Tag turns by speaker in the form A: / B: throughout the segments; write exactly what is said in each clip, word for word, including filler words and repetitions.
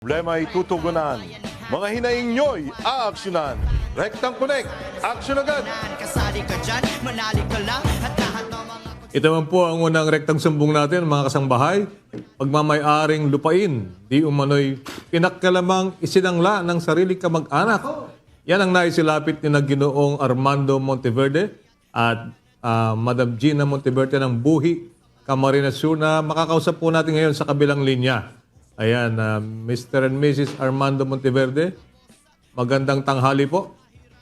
A: Problema ay tutugunan. Mga hinaing nyo'y aaksyonan. Rectang Connect, aksyon agad!
B: Kasali ka dyan, manali ka lang at lahat ng mga...
C: Ito naman po ang unang rektang sumbong natin, mga kasangbahay. Pagmamay-aring lupain, di umano'y pinakalamang isinangla ng sarili kamag-anak. Yan ang naisilapit ni na Ginoong Armando Monteverde at ah, Madam Gina Monteverde ng Buhi, Camarines Sur na makakausap po natin ngayon sa kabilang linya. Ayan, ah, Mister and Missus Armando Monteverde, magandang tanghali po.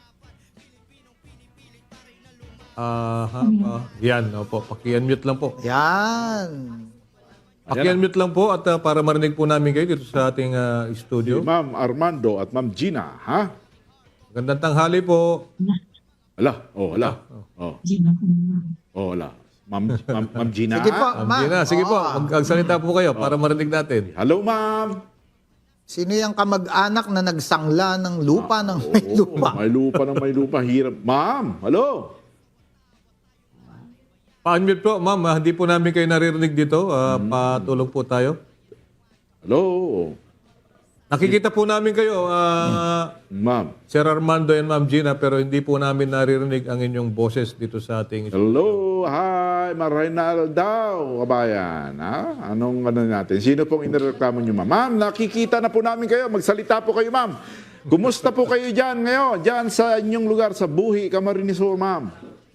C: Ah, ha, ah, yan, opo, paki-unmute lang po.
D: Yan.
C: Paki-unmute lang po at ah, para marinig po namin kayo dito sa ating ah, studio.
E: Ma'am Armando at Ma'am Gina, ha?
C: Magandang tanghali po.
E: Ala, oh, ala. Oh. Oh, ala. Ma'am, Ma'am, Ma'am Gina.
D: Sige po,
C: Ma'am
D: ma'am.
C: Gina, sige po,
D: Oo.
C: magsalita po kayo para marinig natin.
E: Hello, ma'am.
D: Sino yung kamag-anak na nagsangla ng lupa ng may
E: Oo,
D: lupa?
E: May lupa ng may lupa. Hirap. Ma'am, hello.
C: Pa-unmute po, ma'am. Ah, Hindi po namin kayo naririnig dito. Ah, Patulong po tayo.
E: Hello.
C: Nakikita po namin kayo, ah,
E: Ma'am.
C: Sir Armando and Ma'am Gina, pero hindi po namin naririnig ang inyong boses dito sa ating...
E: Hello. Hi, Marinal daw, kabayan. Ha? Anong ano natin? Sino pong inireklamo niyo, ma'am? Ma'am, nakikita na po namin kayo. Magsalita po kayo, ma'am. Kumusta po kayo dyan ngayon? Dyan sa inyong lugar, sa Buhi, Camarines Sur, ma'am.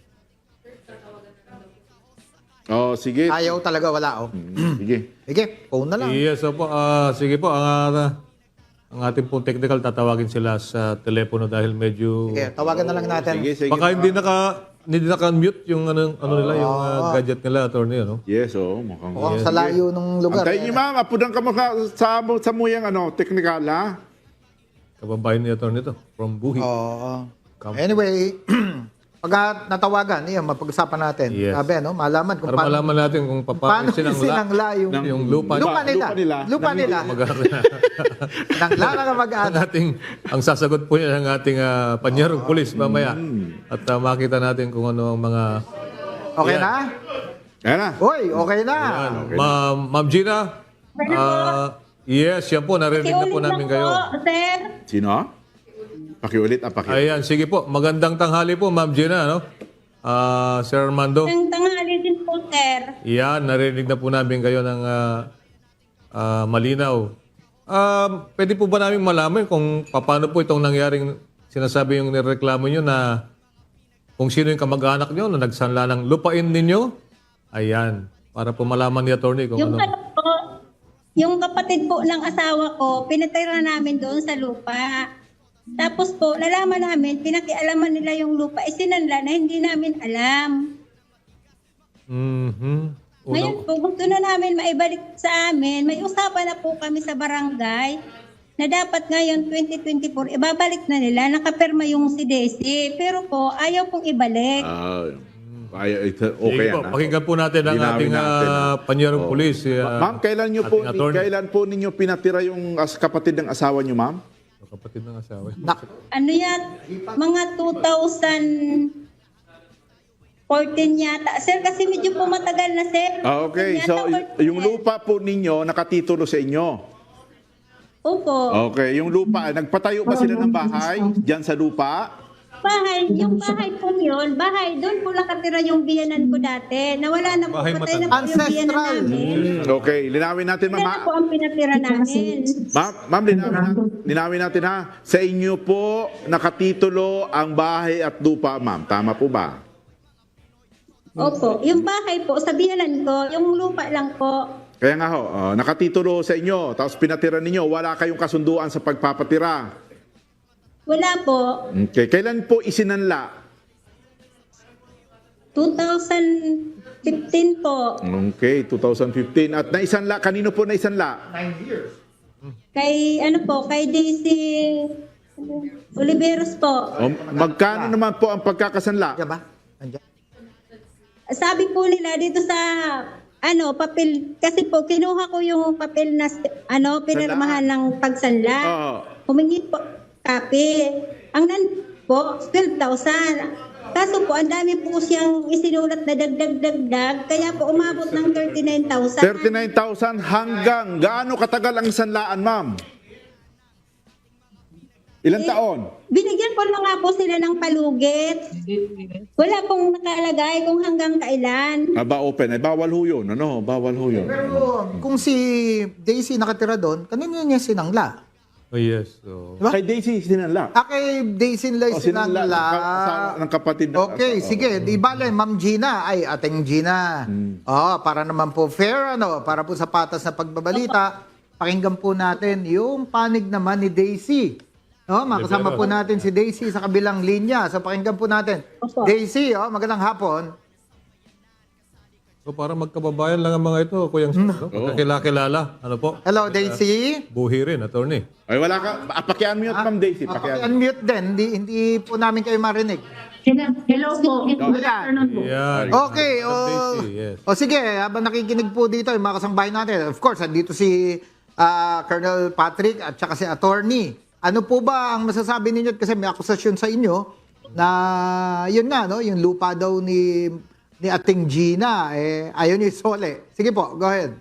E: Oh, sige.
D: Ayaw talaga, wala oh.
E: Mm, Sige.
D: Sige, phone na lang.
C: Yes, opo. Ah, sige po, ang, ah, ang ating pong technical, tatawagin sila sa telepono dahil medyo...
D: Sige, tawagan na lang natin.
E: Sige, sige.
C: Baka hindi naka hindi naka-mute yung ano, ano nila, yung ah, gadget nila, attorney, ano?
E: Yes, oh, mukhang...
D: Mukhang sa layo ng lugar.
E: Antayin niyo, ma'am. Apudan ka mo ka- sa, sa muyang ano, technical, ha?
C: Kababayan ni attorney to, from Buhi.
D: Oo.
C: Come.
D: Anyway, pag natawagan, yan, mapag-usapan natin.
C: Yes.
D: Sabi, no? Malaman kung
C: Para
D: paano,
C: malaman natin kung pa-
D: paano
C: paano sinangla
D: sinangla yung,
E: Ng-
C: yung lupa,
D: lupa nila.
E: lupa nila.
D: Lupa nila.
C: mag-aaral.
D: Nangla na
C: ang
D: kamag-anak.
C: ating ang sasagot po niya ng ating uh, panyerong pulis mamaya. At ah, makita natin kung ano ang mga
D: Okay
C: Yan.
D: na?
E: Ayan na.
D: Uy, okay na.
C: Yan. Ma'am Ma'am Gina. ah, yes, yan po, narinig na po namin kayo.
F: Sir,
E: Sino? Pakiulit, ah, pakiulit.
C: Ayan, sige po. Magandang tanghali po, Ma'am Gina, no? Ah, Sir Armando.
F: ang tanghali din po, sir.
C: Yan, narinig na po namin kayo ng ah, ah, malinaw. Um, pwede po ba namin malaman kung paano po itong nangyaring sinasabi yung nireklamo nyo na kung sino yung kamag-anak nyo na nagsanla ng lupain ninyo? Ayan, para po malaman ni attorney kung
F: Yung
C: ano.
F: ano po, yung kapatid po ng asawa ko, pinatira namin doon sa lupa. Tapos po, nalaman namin, pinakialaman nila yung lupa, isinanla na hindi namin alam.
C: Mhm.
F: Ngayon
C: Unang,
F: po, gusto na namin maibalik sa amin. May usapan na po kami sa barangay na dapat ngayon twenty twenty-four, ibabalik na nila, nakapirma yung si Desi. Pero po, ayaw pong ibalik.
E: Ah, ay, ito,
C: sige
E: okay
C: po,
E: yan, ah.
C: pakinggan po natin ang
E: Linawin
C: ating
E: natin,
C: ah,
E: ah.
C: panyerong
E: Oh.
C: pulis. si,
E: Ma-
C: ah,
E: ma'am, kailan niyo po
C: ating attorney.
E: kailan po ninyo pinatira yung as kapatid ng asawa niyo, ma'am?
C: Kapatid ng asawa.
D: Na,
F: Ano yan? Mga two thousand fourteen yata. Sir, kasi medyo po matagal na, sir.
E: Ah, okay.
F: Yata
E: So, y-
F: fourteen
E: yung
F: yan.
E: lupa po ninyo nakatitulo sa inyo.
F: Opo.
E: Okay, yung lupa, nagpatayo ba sila ng bahay diyan sa lupa?
F: Bahay, yung bahay po yun, bahay, doon po nakatira yung biyanan ko dati. Nawala na po,
C: Bahay
F: patay na po yung
D: Ancestral.
F: biyanan namin.
E: Hmm, okay, linawin natin, ma'am.
F: Sila na po ang pinatira namin.
E: Ma'am, ma'am linawin, natin, linawin natin ha. Sa inyo po nakatitulo ang bahay at lupa, ma'am. Tama po ba?
F: Opo, yung bahay po, sa biyanan ko, yung lupa lang po.
E: Kaya nga ho, oh, nakatitulo sa inyo, tapos pinatira ninyo, wala kayong kasunduan sa pagpapatira.
F: Wala po.
E: Okay, kailan po isinanla?
F: two thousand fifteen po.
E: Okay, two thousand fifteen. At naisanla, kanino po naisanla?
F: Kay, ano po, kay Daisy Oliveros po.
E: O, magkano naman po ang pagkakasanla?
D: Diyan ba? Andiyan.
F: Sabi po nila dito sa ano, papel, kasi po kinuha ko yung papel na ano, pinirmahan ng pagsanla.
E: Oo.
F: Humingi po copy. Ang nan po, twelve thousand. Kaso po, ang dami po siyang isinulat na dagdag-dagdag, kaya po umabot ng thirty-nine thousand.
E: thirty-nine thousand hanggang gaano katagal ang sanlaan, ma'am? Ilang
F: Eh,
E: taon?
F: Binigyan ko na nga po sila ng palugit. Wala pong nakalagay kung hanggang kailan.
E: Aba open. Ay, bawal ho yun. Ano? Bawal ho yun.
D: Pero kung si Daisy nakatira doon, kanino niya sinangla?
C: Oh, yes. So,
D: Diba?
E: Kay Daisy, sinanla.
D: Ah, kay Daisy nila
E: O, sinanla.
D: sinangla.
E: ng ka- asawa ng kapatid. na-
D: Okay,
E: Oo.
D: sige. Di bale, Ma'am Gina. Ay, ating Gina. Oh, para naman po fair, ano, para po sa patas na pagbabalita, pakinggan po natin yung panig naman ni Daisy. No, makasama po natin si Daisy sa kabilang linya. So, pakinggan po natin.
F: Opo.
D: Daisy, oh, magandang hapon.
C: so parang magkababayan lang ang mga ito, Kuyang Sam. No? Magkakilala. Ano po?
D: Hello, Daisy.
C: Buhi rin, attorney.
E: Ay, wala ka. Ah, Paki-unmute, Ma'am Daisy.
D: Ah,
E: Paki-unmute.
D: unmute din. Hindi, hindi po namin kayo marinig.
G: Hello po. Good afternoon po.
C: Yan.
D: Okay, o,
C: Daisy, yes.
D: o sige, habang nakikinig po dito yung mga kasangbahay natin, of course, andito si ah, Colonel Patrick at saka si Attorney. Ano po ba ang masasabi ninyo? Kasi may akusasyon sa inyo na yun nga, no, yung lupa daw ni ni Ating Gina, eh, ayaw ni Sole. Sige po, go ahead.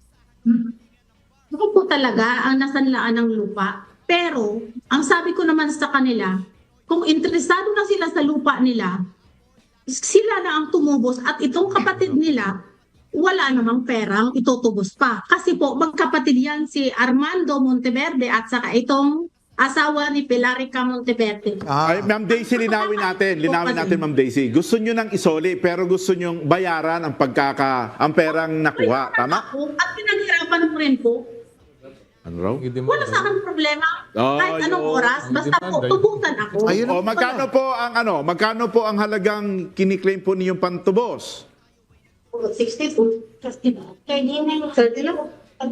G: Ako po talaga ang nasanlaan ng lupa. Pero, ang sabi ko naman sa kanila, kung interesado na sila sa lupa nila, sila na ang tumubos at itong kapatid nila, wala namang perang itutubos pa. Kasi po, magkapatid yan si Armando Monteverde at saka itong asawa ni Pilarica Monteverde.
D: Ah,
E: Ay, Ma'am Daisy, linawin natin. Linawin natin, Ma'am Daisy. Gusto nyo ng isoli, pero gusto nyo bayaran ang pagkaka, ang perang nakuha. Tama?
G: Ako, at pinaghirapan ko rin po.
E: Ano raw?
G: Wala sa akin problema.
E: Oh,
G: Kahit anong
E: yun.
G: oras, basta po, tubusan ako.
D: Ayun
E: O,
D: ang
E: magkano
D: pala.
E: po ang ano? Magkano po ang halagang kiniklaim po niyong pantubos?
G: sixty-two. thirty na.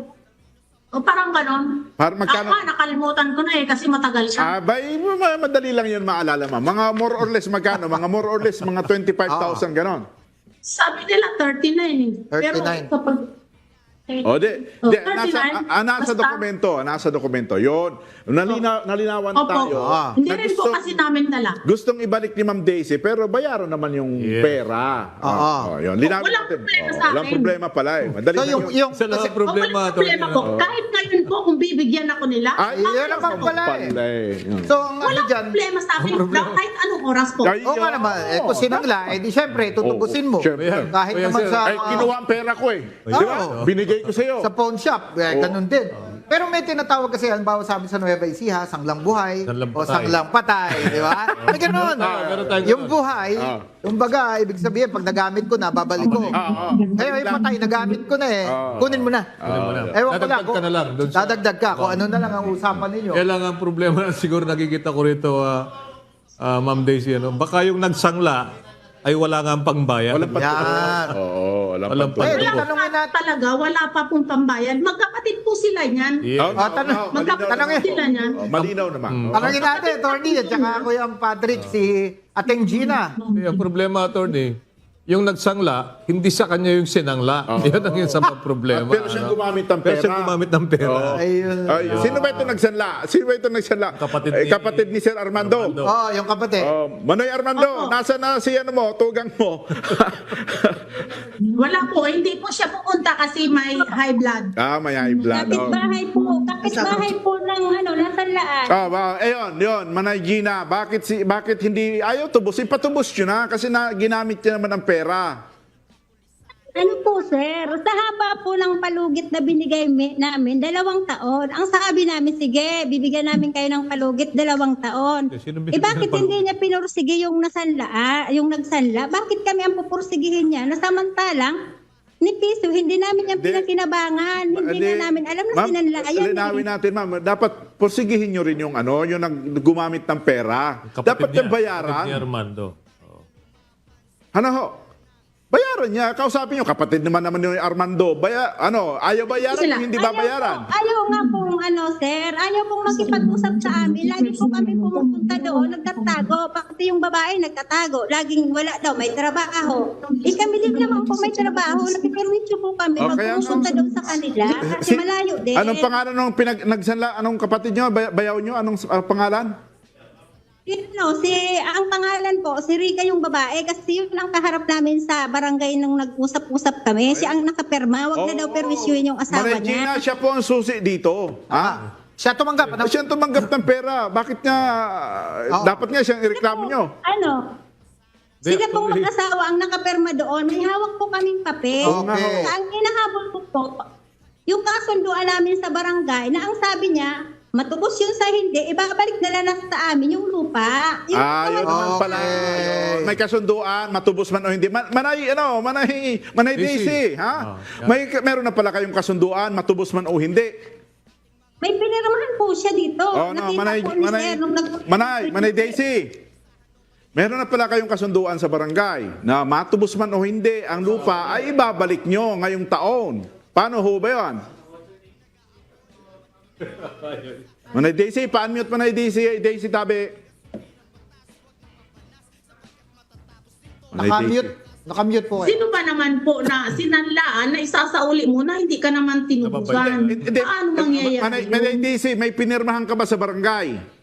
G: O parang ganon.
E: Par magkano?
G: Ah, nakalimutan ko na eh kasi matagal siya.
E: Ah, bay, ma- madali lang yun maalala, ma'am. Mga more or less magkano? Mga more or less mga twenty-five thousand ganon.
G: Sabi nila thirty-nine eh.
D: thirty-nine.
G: Pero kapag...
E: O, di,
G: Oh,
E: di nasa,
G: thirty-nine.
E: ah, nasa
G: Basta-
E: dokumento, nasa dokumento. Yun. Nalina, nalinawan
G: Opo.
E: tayo.
D: Ah.
G: Hindi
E: na
G: rin po
E: gusto-
G: kasi namin dala.
E: Gustong ibalik ni Ma'am Daisy, pero bayaran naman yung
C: Yes.
E: pera.
D: Oo.
E: Oh, oh, yun. Linawin
G: Walang
E: natin.
G: problema
E: Oh,
G: sa
E: walang
G: akin.
E: problema pala eh. Madali
D: So,
E: lang
D: yung,
E: yun.
D: yung,
C: Isa lang
D: kasi,
C: ang problema,
G: o, walang
C: attorney.
G: problema po.
C: ano?
G: Kahit ngayon po kung bibigyan ako nila,
D: Ay,
G: bakit
D: yan naman
G: ako?
D: pala eh.
E: Pala eh. Yun.
D: So, ang ano
G: Walang
D: dyan,
G: problema sa akin. Kahit anong oras po.
E: Ay,
D: oo nga naman, eh, kung sinangla, eh di syempre, tutubusin mo.
E: Oo, syempre.
D: Kahit
C: Kuya
D: naman
C: Sir,
D: sa,
E: Ay, kinuha ang pera ko eh. Di ba?
D: Oo.
E: Binigay ko sa'yo.
D: sa pawn shop, eh, ganun din. Pero may tinatawag kasi, halimbawa sabi sa Nueva Ecija, sanglang buhay,
C: Sanglang
D: o
C: patay.
D: sanglang patay, di ba? May ganun.
C: Ah, meron tayong
D: Yung
C: ganun.
D: buhay,
E: Ah.
D: yung baga, ibig sabihin, pag nagamit ko na, babalik ko.
E: Ah, ah.
D: Ngayon, yung patay, nagamit ko na eh.
E: Ah.
D: Kunin mo na.
C: Kunin mo na.
D: Ewan ko
C: Dadagdag
D: lang.
C: ka na lang doon sa-
D: Dadagdag ka. Kung ano na lang ang usapan ninyo.
C: Kaya lang ang problema na siguro nakikita ko rito, ah, ah, Ma'am Daisy, ano, baka yung nagsangla ay wala nga ang pangbayan.
E: Walang pantubos.
D: Yan.
E: Oo, walang
C: Walang
E: pantubos.
D: Eh,
C: pantubos.
D: tanongin
G: Wala
D: natin.
G: talaga, wala pa pong pambayad. Magkapatid po sila niyan.
C: Yeah.
E: Oh,
D: Ah, tanong-
E: oh, malinaw
G: Magkapatid
D: tanongin.
G: sila niyan.
E: Oh, malinaw naman. Oh.
D: Tanongin natin, Tony, at saka Kuya Patrick, si Ating Gina.
C: Eh, ang problema, attorney, yung nagsangla, hindi sa kanya yung sinangla. Yan ang yung sa problema.
E: Pero siyang
C: ano.
E: gumamit ng
C: Pero
E: pera.
C: siyang gumamit ng pera.
E: Oo.
D: Ayun.
E: Ay, sino ba ito nagsanla? Sino ba ito nagsanla?
C: Kapatid
E: Eh,
C: ni-
E: kapatid ni Sir Armando.
C: Armando.
D: Oo, yung kapatid.
E: Oh, Manoy Armando,
G: Opo.
E: nasa na si ano mo, tugang mo.
G: Wala po, hindi po siya pupunta kasi may high blood.
E: ah, may high blood.
F: Kapit
E: Oh.
F: bahay po, kapit bahay po ng ano, nasanlaan.
E: Ah, ba, ayun, yun, Manay Gina, bakit si bakit hindi ayaw tubos? Ipatubos yun na kasi na ginamit niya naman ang pera.
F: Ano po, sir? Sa haba po ng palugit na binigay mi- namin, dalawang taon. Ang sabi namin, sige, bibigyan namin kayo ng palugit, dalawang taon.
C: Eh, sino
F: Eh,
C: bibigyan
F: bakit
C: ng palugit?
F: hindi niya pinursige yung nasanla, ah, yung nagsanla? Bakit kami ang pupursigihin niya? Nasamantalang, ni Piso, hindi namin yung
E: Hindi.
F: pinakinabangan. Hindi
E: Hindi.
F: na namin alam na
E: Ma'am,
F: sinanla. Ayan,
E: linawin
F: eh.
E: natin, ma'am. Dapat porsigihin nyo rin yung ano, yung nag gumamit ng pera.
C: Kapatid
E: Dapat
C: niya,
E: yung bayaran.
C: kapatid ni Armando. Oo.
E: Ano ho? Bayaran niya. Kausapin nyo, kapatid naman naman yung Armando. Baya, ano, ayaw bayaran,
G: Sila.
E: hindi
F: Ayaw
E: babayaran.
F: po, ayaw nga pong ano, sir. Ayaw pong makipag-usap sa amin. Lagi po kami pumupunta doon, nagtatago. Pati yung babae nagtatago. Laging wala daw, may trabaho. Eh kami din naman po may trabaho. Nakipermisyo po kami.
E: Oh, kaya
F: Magpupunta
E: nga-
F: doon sa kanila. Kasi
E: Si-
F: malayo din.
E: Anong pangalan ng pinag nagsanla? Anong kapatid nyo? Bay- bayaw nyo? Anong uh, pangalan?
F: No, si, ang pangalan po, si Rica yung babae. Kasi yun ang kaharap namin sa barangay nung nag-usap-usap kami. Siya ang nakaperma. Wag na daw permisyuhin yung asawa
E: Maray
F: niya.
E: Gina, siya po ang susi dito. Ha?
D: Siya tumanggap. Ano?
E: Siya ang tumanggap ng pera. Bakit nga,
D: Oo.
E: dapat nga siyang ireklamo nyo?
F: Ano?
C: Di-
F: Sila po
C: tuloy.
F: mag-asawa ang nakaperma doon. May hawak po kaming papel.
D: Okay.
F: Ang inahabol ko po, yung kasunduan namin sa barangay na ang sabi niya, matubos yun sa hindi, ibabalik na lang sa amin yung lupa. Yung
E: Ah, yun naman
D: Okay.
E: pala. Ayun. May kasunduan, matubos man o hindi. Man, manay, ano, manay, manay
C: Daisy.
E: Daisy, ha?
C: Ah, yeah.
E: May, meron na pala kayong kasunduan, matubos man o hindi.
F: May pinirmahan po siya dito.
E: Oh, no,
F: Nakita
E: manay,
F: po ni
E: manay,
F: Sir nung nag-
E: manay, manay Daisy. Meron na pala kayong kasunduan sa barangay na matubos man o hindi, ang lupa ay ibabalik nyo ngayong taon. Paano ho ba yun? Manay Daisy, pa-unmute Manay Daisy, Daisy Tabi. Manay
D: Nakamute.
E: Daisy.
D: Nakamute po kayo.
G: Sino ba naman po na sinanlaan na isasauli mo na hindi ka naman tinubusan?
E: Hindi, hindi.
G: Paano
E: Manay,
G: mangyayari
E: Manay
G: yun?
E: Daisy, may pinirmahan ka ba sa barangay?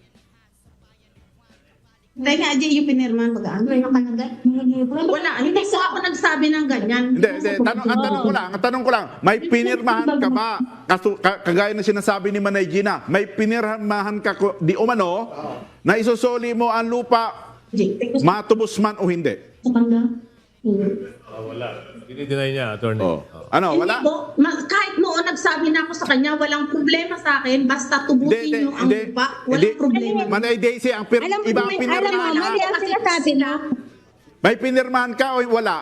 G: Tayo nga, Jay, yung pinirman mag-ano. Wala, hindi po ako nagsabi ng ganyan.
E: Hindi, hindi. Tanong, ang tanong ko lang, ang tanong ko lang, may pinirmahan ka ba? Kaso, ka- kagaya na sinasabi ni Manay Gina, may pinirmahan ka ko- di umano na isusoli mo ang lupa,
G: Jay, take
E: matubos man o hindi?
C: Ah, wala. Dinideny niya, attorney.
E: Oh. Ano,
G: Hindi
E: wala?
G: po, ma- kahit noon nagsabi na ako sa kanya, walang problema sa akin, basta tubusin
E: Hindi,
G: nyo ang
E: hindi,
G: lupa,
E: hindi.
G: walang problema.
E: Manay Daisy, ang pir-
F: Alam mo,
E: ibang
F: may- alam mo,
E: pinirmahan,
F: mali ang sinasabi mo.
E: may pinirmahan ka o wala?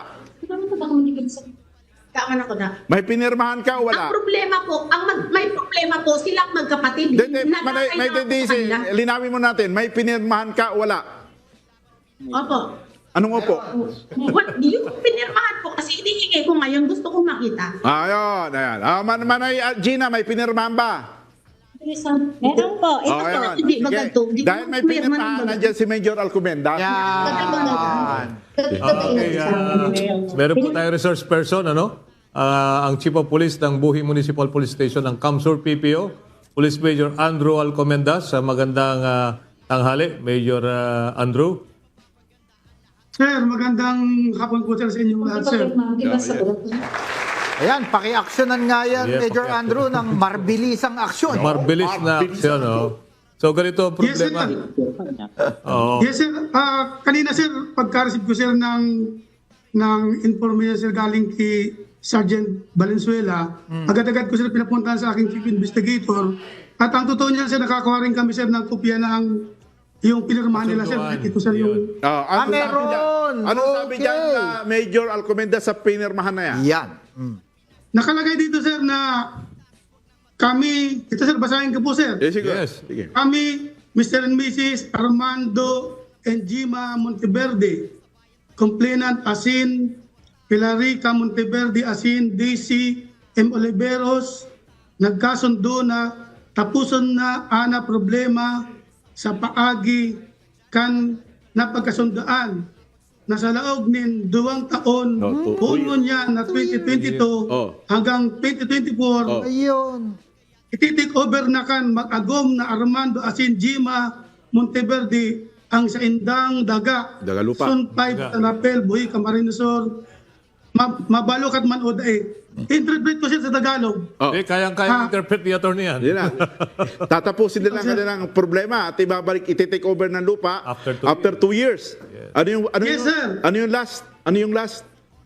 G: Kaman ako na.
E: May pinirmahan ka o wala?
G: Ang problema po, ang mag- may problema po, silang magkapatid.
E: Hindi, hindi, Manay,
G: Nagkakailangan
E: Manay
G: ko sa
E: Daisy,
G: kanila.
E: linawin mo natin, may pinirmahan ka o wala?
G: Opo.
E: Anong opo?
G: What, yung pinirmahan po, kasi hinihingi ko ngayon, gusto kong makita.
E: Ayun, ayan. Ah, man, Manay ah, Gina, may pinirmahan ba?
F: Meron po. Ito
E: Oh,
F: po.
E: ayan.
G: hindi
E: Sige.
G: maganto. Hindi ko
E: Dahil may
G: pumirma ng
E: pinirmahan,
G: baga.
E: nandiyan si Major Alcomenda.
D: Yan.
C: Okay, ah, meron po tayo resource person, ano? Ah, ang Chief of Police ng Buhi Municipal Police Station ng Kamsur P P O, Police Major Andrew Alcomendas. Sa magandang ah, tanghali, Major ah, Andrew.
H: Sir, magandang hapon po sir sa inyong lahat, sir.
D: Ayan, paki-actionan nga yan,
C: Yeah,
D: Major
C: paki-action.
D: Andrew, ng marbilisang aksyon.
C: Marbilis na aksyon, no? So, ganito ang
H: Yes, sir.
C: problema. Oo.
H: Yes, sir. Ah, kanina, sir, pagka-receive ko, sir, ng, ng information, sir, galing kay Sergeant Valenzuela, agad-agad ko, sir, pinapuntahan sa aking chief investigator. At ang totoo niyan, sir, nakakuha rin kami, sir, ng kopya ng yung pinirmahan nila, sir.
C: Kasunduan.
H: Ito, sir, yung...
E: Ah,
D: Ah,
E: ano sabi
D: meron.
E: dyan? Anong sabi
D: Okay.
E: dyan na Major Alcomenda sa pinirmahan na yan?
D: Yan. Mm.
H: Nakalagay dito, sir, na kami, ito, sir, basahin ko po, sir.
E: Eh, sige.
C: Yes.
E: Sige.
H: Kami, Mister and Missus Armando and Gima Monteverde, complainant Asin, Pilarica Monteverde Asin, Daisy M. Oliveros, nagkasundo na tapuson na ana problema sa paagi kan napagkasundaan na sa laog nin duwang taon
E: Oh, two-
H: puno niya na twenty twenty-two
E: Oh.
H: hanggang twenty twenty-four
E: Oh.
D: Ayun.
H: iti-take over na kan mag-agom na Armando Asin Gima Monteverde ang sa indang daga.
E: Dagalupa.
H: Sun five
C: Daga.
H: Tanapel, Buhi, Camarinesor. Ma mabalo kat man oday. Interpret ko siya sa Tagalog.
E: Oh.
C: Eh, kayang-kaya
H: Ah.
C: interpret ni attorney yan.
E: Yan na. Tatapusin nila ang kanilang problema at ibabalik, iti-take over ng lupa
C: After two
E: two years. Ano yung ano
H: Yes,
E: yung,
H: sir.
E: ano yung last? Ano yung last?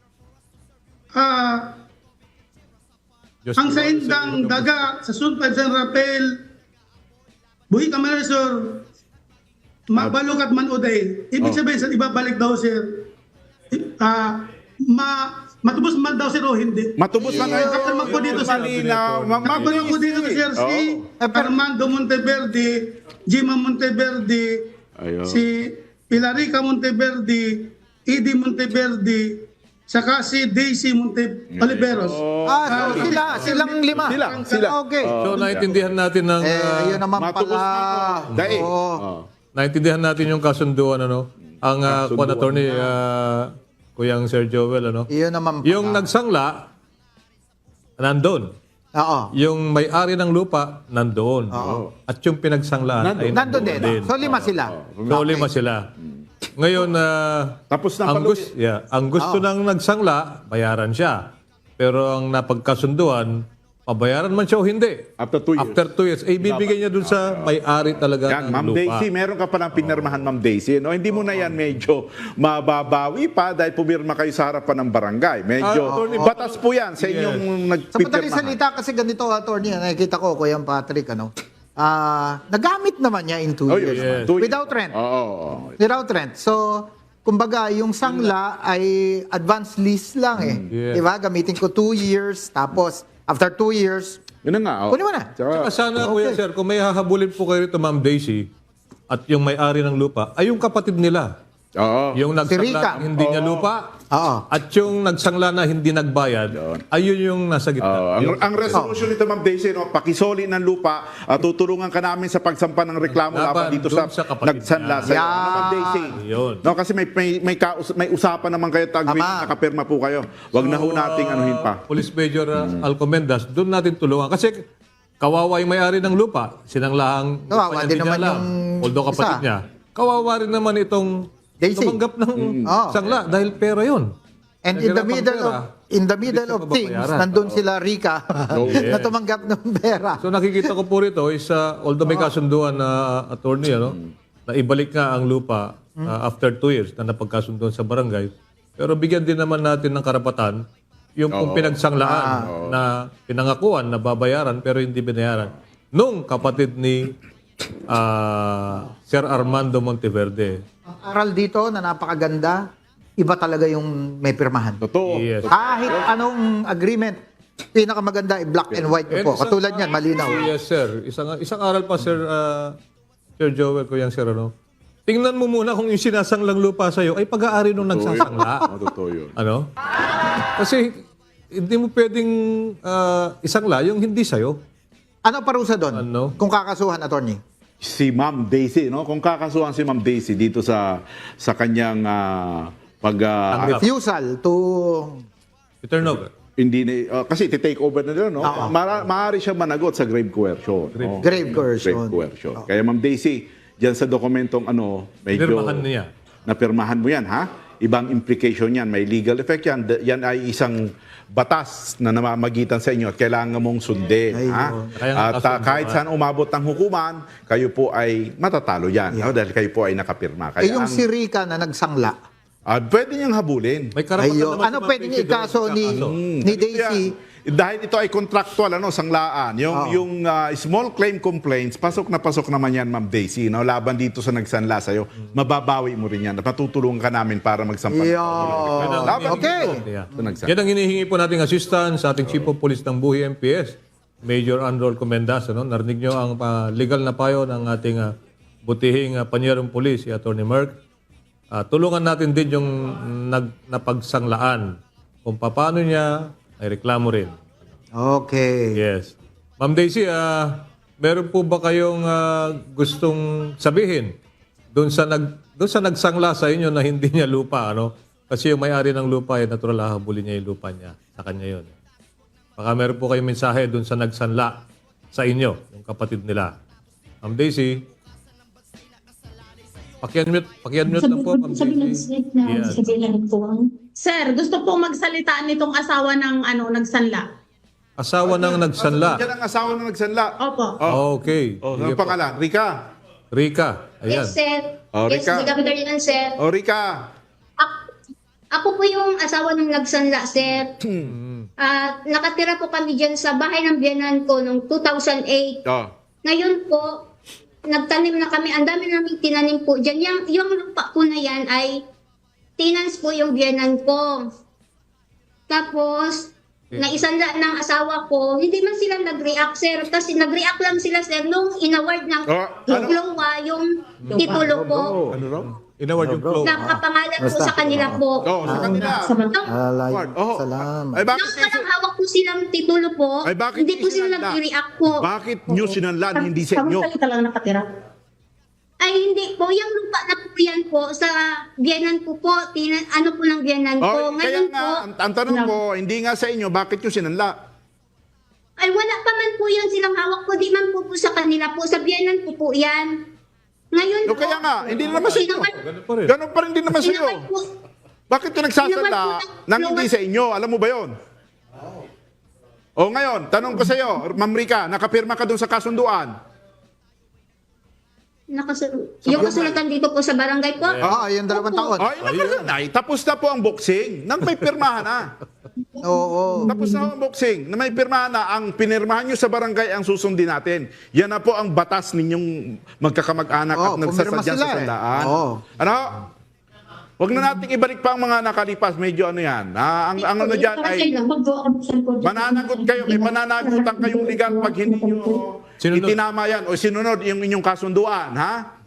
H: Ah,
C: Diyos
H: ang
C: ko,
H: sa indang
C: Diyos ko.
H: daga sa Sun five San Rapel, Buhi, Camarinesor. Mabalo kat man oday. Ibig
E: Oh.
H: sabihin sa ibabalik daw, sir. Ah, ma matubos man daw, sir, o hindi.
E: Matubos man
H: Ang kapirma ko dito, sir.
E: Malinaw. Ma-
H: Kapirma ko dito, sir, si
E: Oh.
H: Armando Monteverde, Gima Monteverde,
E: Ayun.
H: si Pilarica Monteverde, Edie Monteverde, saka si Daisy Monte Oliveros.
D: Ah, so sila, silang lima.
E: Sila, sila.
D: Okay.
C: So, naintindihan natin ng...
D: Eh,
C: ah,
D: yun naman
E: Matubos
D: pala.
E: man o daig.
D: Oo.
E: Oh.
C: naintindihan natin yung kasunduan, ano? Ang uh,
E: Kasunduan.
C: attorney, ah, Kuyang Sir Joel, ano?
D: Yun naman pala.
C: Yung nagsangla, nandun.
D: Oo.
C: Yung may-ari ng lupa, nandoon. At yung pinagsanglaan ay
D: Nandun din.
C: din.
D: So lima sila.
C: So, lima sila. Ngayon, ah,
E: Tapos na
C: ang,
E: palugi.
C: gusto, yeah, ang gusto ng nagsangla, bayaran siya. Pero ang napagkasunduan, pabayaran man siya o hindi.
E: After two years.
C: After two years. Eh, ibibigay niya dun sa may-ari talaga
E: Yan,
C: ng
E: Ma'am
C: lupa.
E: Daisy, meron ka pa ng pinirmahan, Ma'am Daisy. No? Hindi mo na yan medyo mababawi pa dahil pumirma kayo sa harapan ng barangay. Medyo
C: Ah, Attorney,
E: batas po yan sa inyong
D: Sa madaling
E: nagpipirmahan.
D: salita kasi ganito, attorney, nakikita ko, Kuya Patrick, ano, ah nagamit naman niya in two
E: Oh,
D: years.
E: yes.
C: Yes.
E: Two years.
D: Without rent.
E: Oo.
D: Without rent. So, kumbaga, yung sangla ay advance lease lang eh.
C: Yeah.
D: Diba? Gamitin ko two years, tapos after two years,
E: Yun na nga. oh.
D: kunin mo na.
E: Tsaka,
C: Saka sana, Kuya Sir, kung may hahabulin po kayo rito, Ma'am Daisy, at yung may-ari ng lupa, ay yung kapatid nila.
E: oo.
C: Yung
D: Rika.
C: nagsangla ng hindi niya lupa,
D: Oo.
C: at yung nagsangla na hindi nagbayad, ayun yung nasa gitna.
E: Oo, ang,
C: Yung-
E: ang resolution nito, Ma'am Daisy, no, pakisoli ng lupa, at tutulungan ka namin sa pagsampa ng reklamo
C: Laban
E: laban dito
C: dun
E: sa,
C: sa kapatid
E: nagsanla
C: niya.
E: sa iyo.
D: Yan.
E: Ano, Ma'am Daisy?
C: Yun.
E: No, kasi may may may, kaus- may usapan naman kayo tag
D: Tama.
E: nakapirma po kayo. Wag na ho nating anuhin pa.
C: Police Major uh, Alcomendas, doon natin tulungan. Kasi kawawa yung may-ari ng lupa. Sinanglahang
D: Kawawa
C: lupa niya,
D: din
C: hindi
D: naman
C: niya alam.
D: yung
C: Although kapatid
D: isa.
C: niya. Kawawa rin naman itong
D: Daisy.
C: tumanggap ng
D: Oo.
C: sangla dahil pera yun.
D: And in the
C: Naghirapang
D: middle
C: pera,
D: of in the middle
C: hindi siya
D: of things,
C: mababayaran.
D: nandun sila Rika na tumanggap ng pera.
C: So nakikita ko po rito is uh, although may kasunduan na uh, attorney ano, na ibalik nga ang lupa uh, after two years na napagkasunduan sa barangay, pero bigyan din naman natin ng karapatan yung kung pinagsanglaan na pinangakuan na babayaran pero hindi binayaran nung kapatid ni ah, Sir Armando Monteverde.
D: Ang aral dito na napakaganda, iba talaga yung may pirmahan.
E: Totoo.
C: Yes.
D: Kahit anong agreement, pinakamaganda ay black and white
C: And
D: po.
C: isang-
D: Katulad niyan, malinaw.
C: Yes, sir. Isang isang aral pa, Sir uh, Sir Joel, ko yung sir, ano? Tingnan mo muna kung yung sinasanglang lupa sa'yo ay pag-aari nung nagsasangla.
E: Oo, totoo yun.
C: Ano? Kasi hindi mo pwedeng ah, isangla yung hindi sa'yo.
D: Ano parusa doon?
C: Ano?
D: Kung kakasuhan, attorney?
E: Si Ma'am Daisy, no? Kung kakasuhan si Ma'am Daisy dito sa sa kanyang ah, pag ah,
D: Refusal to...
C: Return over.
E: hindi na, ah, kasi ti-take over na nila, no? Mara, maaari siya managot sa grave coercion. no?
D: Grave coercion.
E: Grave coercion. Kaya Ma'am Daisy, diyan sa dokumentong ano, medyo
C: Pirmahan niya.
E: napirmahan mo yan, ha? Ibang implication yan, may legal effect yan. D- Yan ay isang batas na namamagitan sa inyo at kailangan mong sundin.
D: Ay,
E: ha?
D: oo.
C: Kaya nga
E: At ah,
C: kasunduan.
E: kahit saan umabot ng hukuman, kayo po ay matatalo yan. no? Dahil kayo po ay nakapirma. Kaya
D: Eh, yung
E: ang,
D: si Rika na nagsangla,
E: ah, pwede niyang habulin.
C: May karapatan
D: Ayo,
C: naman
D: ano
C: si
D: pwede
C: Ma'am
D: niya
C: Daisy
D: ikaso
C: doon
D: ni,
C: sa kaso.
D: ni Daisy?
E: Yan. Dahil ito ay contractual, ano, sanglaan. Yung,
D: Oo.
E: yung ah, small claim complaints, pasok na pasok naman yan, Ma'am Daisy. No? Laban dito sa nagsanla sa'yo, mababawi mo rin yan. At matutulungan ka namin para magsampan.
D: Yo.
E: Laban
D: Okay.
E: dito.
C: Yeah.
E: Ito nagsanla.
C: Yan ang hinihingi po nating assistance sa ating Chief of Police ng Buhi M P S, Major Androl Comendas. Ano? Narinig nyo ang ah, legal na payo ng ating ah, butihing uh, panyerong police, si Attorney Merck. Ah, tulungan natin din yung nag, napagsanglaan. Kung paano niya, ay reklamo rin.
D: Okay.
C: Yes. Ma'am Daisy, ah, meron po ba kayong ah, gustong sabihin doon sa nag doon sa nagsangla sa inyo na hindi niya lupa, ano? Kasi yung may-ari ng lupa ay natural hahabulin niya yung lupa niya. Sa kanya yun. Baka meron po kayong mensahe doon sa nagsanla sa inyo, yung kapatid nila. Ma'am Daisy, pakiunmute, pakiunmute lang po, Ma'am Daisy. Yes.
G: Sir, gusto pong magsalita nitong asawa ng ano nagsanla.
C: Asawa ng nagsanla.
E: Yan ang asawa na nagsanla.
G: Opo.
C: Okay.
E: Oh,
C: Sige
E: ang
C: po.
E: pangalan? Rika.
C: Rika, ayan.
F: Yes, sir.
E: Oh,
F: yes,
E: Rica.
F: good afternoon, sir.
E: O, Rika.
F: Ako, ako po yung asawa ng nagsanla, sir. Ah, nakatira po kami dyan sa bahay ng biyanan ko noong two thousand eight.
E: Oh.
F: Ngayon po, nagtanim na kami. Ang dami namin tinanim po dyan. Yung, yung lupa po na yan ay tenants po yung biyanan ko. Tapos, naisanla ng asawa ko, hindi man sila nag-react, sir. Kasi nag-react lang sila, sir, nung inaward ng
E: Oh, ano?
F: Lowa yung titulo po.
E: Ano raw?
C: Inaward yung flow.
F: Nakapangalan po sa kanila po.
E: Oh, sa kanila.
F: Nung,
D: Alay,
E: Oh.
D: salamat.
E: Ay, bakit,
F: nung walang hawak po silang titulo po,
E: ay, bakit
F: hindi po
E: niyo
F: sila
E: sinanla?
F: nag-react po.
E: Bakit nyo sinanlan, hindi sa inyo?
G: Kamusta lang nakatira?
F: Ay, hindi po. Yung lupa na po yan po, sa biyanan po po, tinan, ano po ng biyanan ko.
E: Oh, kaya
F: Ngayon
E: nga,
F: po,
E: ang, ang tanong ko, hindi nga sa inyo, bakit nyo sinanla?
F: ay wala pa man po yan silang hawak po, di man po po sa kanila po, sa biyanan po po yan. Ngayon
E: O
F: po,
E: kaya nga, hindi naman sa inyo.
F: sinaward-
C: Ganun pa rin.
E: Ganun pa rin din naman sa iyo.
F: sinaward po,
E: Bakit yung nagsasala
F: Sinaward po ng-
E: nang hindi sa inyo? Alam mo ba yon? O ngayon, tanong ko sa iyo, Ma'am Rica, nakapirma ka doon sa kasunduan?
I: Nakasul- yung kasulatan dito po sa barangay po.
D: Oo, yung dalawang taon.
E: Ay, nakasunod. Ay, tapos na po ang boxing. Nang may pirmahan na.
D: Oo.
E: Tapos na ang boxing. Na may pirmahan na. Ang pinirmahan nyo sa barangay ang susundin natin. Yan na po ang batas ninyong magkakamag-anak
D: Oo,
E: at nagsasadya
D: pumirma sila
E: sa
D: eh.
E: sandaan.
D: Oo.
E: Ano? Huwag na nating ibalik pa ang mga nakalipas. Medyo ano yan. Ah, ang, ang ano dyan ay mananagot kayo. May mananagutan kayong legal pag hindi nyo
C: Sinunod.
E: itinama yan o sinunod yung inyong kasunduan. Ha?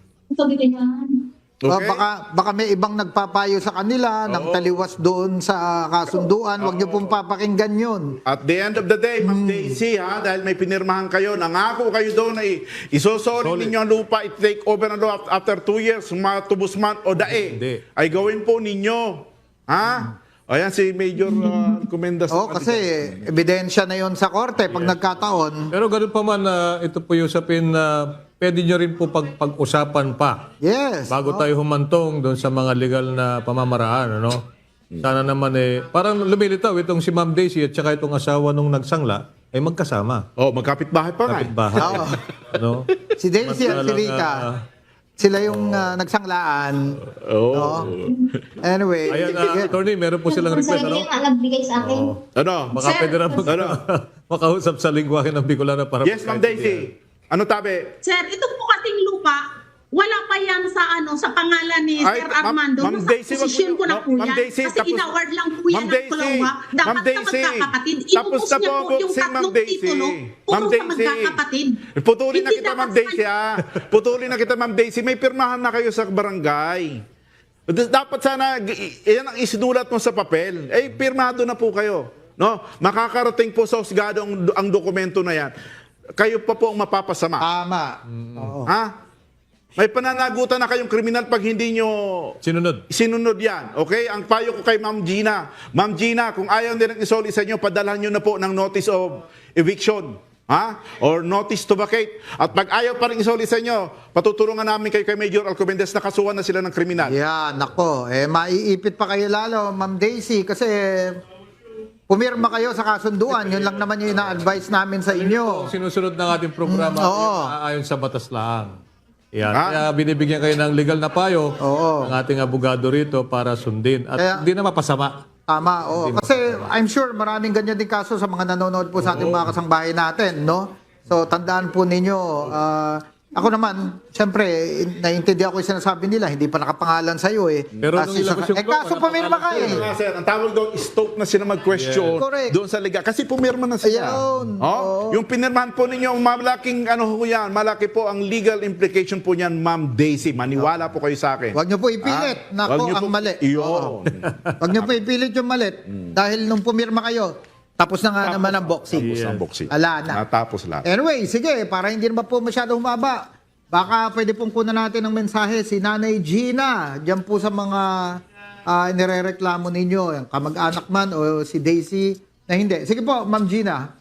D: O,
E: Okay?
D: baka, baka may ibang nagpapayo sa kanila ng taliwas doon sa kasunduan. Huwag niyo pong papakinggan yun.
E: At the end of the day, Ma'am Daisy, ha, dahil may pinirmahan kayo, nangako kayo doon na i- isosolid ninyo ang lupa, i-take over ang lupa after two years, matubos man o dae,
C: Hindi.
E: ay gawin po ninyo. Ha? Ayan si Major uh, Comendas.
D: Oo, kasi ebidensya na yon sa korte pag nagkataon.
C: Pero ganun pa man, ah, ito po yung usapin na pwede nyo rin po pag, pag-usapan pa
D: Yes.
C: bago tayo humantong doon sa mga legal na pamamaraan. Ano? Sana naman eh, parang lumilitaw itong si Ma'am Daisy at saka itong asawa nung nagsangla ay magkasama.
E: Oh, magkapit-bahay pa nga. eh.
C: Kapit-bahay.
D: Oo.
C: ano?
D: Si Daisy at si
C: Samantalang,
D: Rica,
C: ah,
D: sila yung ah, nagsanglaan.
E: Oo.
D: No? Anyway,
C: Ayan, ah, attorney, meron po silang request. Ano?
I: nga nagbigay sa akin.
E: Ano?
C: Baka pwede na mag-
E: Ano?
C: makausap sa lingwahe ng Bicolana para
E: Yes, Ma'am Daisy. Ano tabi?
G: Sir, ito po kasing lupa, wala pa yan sa ano sa pangalan ni
E: Ay,
G: Sir
E: Ma'am-
G: Armando.
E: Ma'am
G: Nasa
E: Daisy, wag
G: posisyon
E: mo-
G: ko na
E: no,
G: po
E: Ma'am
G: yan.
E: Daisy,
G: Kasi
E: tapos-
G: inaward lang po yan
E: Ma'am
G: ng
E: Daisy,
G: Kulawa. Dapat
E: Ma'am
G: sa
E: Daisy,
G: magkakapatid.
E: tapos
G: Inubos
E: na
G: niya
E: po
G: po
E: ang
G: yung
E: boxing, Ma'am
G: tatlong
E: Daisy.
G: titulo.
E: Ma'am
G: Puro sa
E: Daisy.
G: magkakapatid.
E: Putulin na
G: Hindi
E: kita,
G: dapat
E: Ma'am Daisy,
G: sa-
E: ah. Putulin na kita, Ma'am Daisy. May pirmahan na kayo sa barangay. D- Dapat sana, g- yan ang isinulat mo sa papel. Eh, pirmado na po kayo. No? Makakarating po sa husgado ang, ang dokumento na yan. Kayo pa po ang mapapasama.
D: tama. Oo.
E: Ha? May pananagutan na kayong kriminal pag hindi nyo
C: Sinunod.
E: sinunod yan. Okay? Ang payo ko kay Ma'am Gina. Ma'am Gina, kung ayaw nilang isoli sa inyo, padalhan nyo na po ng notice of eviction. Ha? Or notice to vacate. At pag ayaw pa rin isoli sa inyo, patutulungan namin kayo kay Major Alcobendas na kasuhan na sila ng kriminal.
D: Yan, nako. Eh, maiipit pa kayo lalo, Ma'am Daisy, kasi pumirma kayo sa kasunduan. Yun lang naman yung ina-advise namin sa inyo.
C: Sinusunod ng ating programa
D: Mm, oo.
C: yung ayon sa batas lang. Yan.
E: Ha?
C: Kaya binibigyan kayo ng legal na payo
D: Oo.
C: ng ating abogado rito para sundin. At
D: Kaya-
C: hindi na mapasama.
D: Tama, oo. Kasi I'm sure maraming ganyan din kaso sa mga nanonood po sa ating mga kasangbahay natin, no? So, tandaan po ninyo, ah, ako naman, siyempre, naiintindihan ko yung sinasabi nila, hindi pa nakapangalan sa'yo eh.
C: Pero nung
D: Kasi
C: ilabas
D: sa-
C: yung
D: eh,
C: law,
D: kaso pumirma ka
C: nakapangalan
D: eh.
E: Nga, sir, ang tawag doon, stop na sila mag-question
D: Yeah. Correct.
E: doon sa liga. Kasi pumirma na sila.
D: Ayun.
E: Oh?
D: Oo.
E: Yung pinirmahan po ninyo, malaking ano ho yan, malaki po ang legal implication po niyan, Ma'am Daisy. Maniwala po kayo sa akin.
D: Huwag niyo po ipilit.
E: Ah,
D: Nako,
E: wag niyo
D: ang
E: po-
D: mali.
E: Iyon.
D: Oo. Huwag niyo po ipilit yung mali. Dahil nung pumirma kayo, tapos na nga naman ang boxing.
E: Tapos ang boxing.
D: Ala na.
E: Natapos lahat.
D: Anyway, sige, para hindi naman po masyado humaba, baka pwede pong kunan natin ng mensahe si Nanay Gina, diyan po sa mga uh, nirereklamo ninyo, yung kamag-anak man o si Daisy na hindi. Sige po, Ma'am Gina.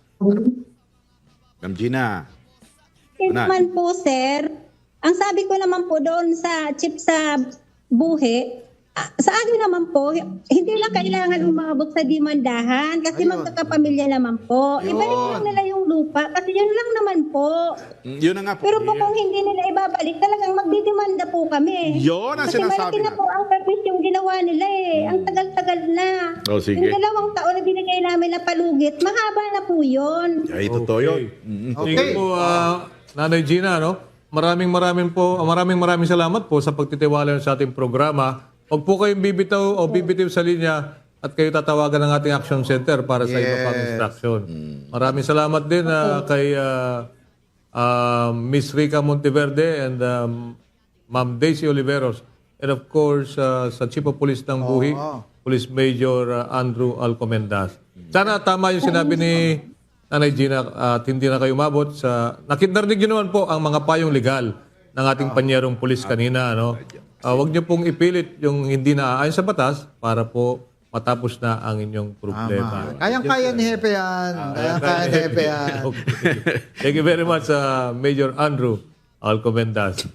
E: Ma'am Gina.
F: Yes
E: Ano?
F: naman po, sir. Ang sabi ko naman po doon sa chip sa buhi, ah, sa akin naman po, hindi lang kailangan umabot sa dimandahan kasi
D: Ayun.
F: magkakapamilya naman po.
D: Ayun.
F: Ibalik lang nila yung lupa kasi yun lang naman po.
E: Mm, Yun na nga po.
F: Pero po kung hindi nila ibabalik, talagang magdidemanda po kami.
E: Yun ang
F: Kasi
E: sinasabi
F: malaki na
E: natin.
F: po ang service yung ginawa nila eh. Ang tagal-tagal na.
E: Oh, sige.
F: Yung dalawang taon na binigay namin na palugit, mahaba na po yun.
E: Ay, totoo yun. Mm.
D: Okay.
C: Sige po, ah, Nanay Gina, no? Maraming maraming po, maraming maraming salamat po sa pagtitiwala sa ating programa. Huwag po kayong bibitaw o bibitiw sa linya at kayo tatawagan ng ating action center para sa iba pang instruction. Maraming salamat din ah, kay ah, ah, Miss Rica Monteverde and um, Ma'am Daisy Oliveros. And of course, ah, sa Chief of Police ng Buhi, Police Major ah, Andrew Alcomendas. Sana tama yung sinabi ni Nanay Gina at hindi na kayo umabot sa... Nakitnarinig nyo naman po ang mga payong legal ng ating panyerong pulis kanina. Ano? Ah, huwag nyo pong ipilit yung hindi naaayon sa batas para po matapos na ang inyong problema.
D: Kayang-kaya ni Hepe yan. Kayang-kaya ni Hepe yan.
C: Okay. Thank you very much, uh, Major Andrew Alcomendas.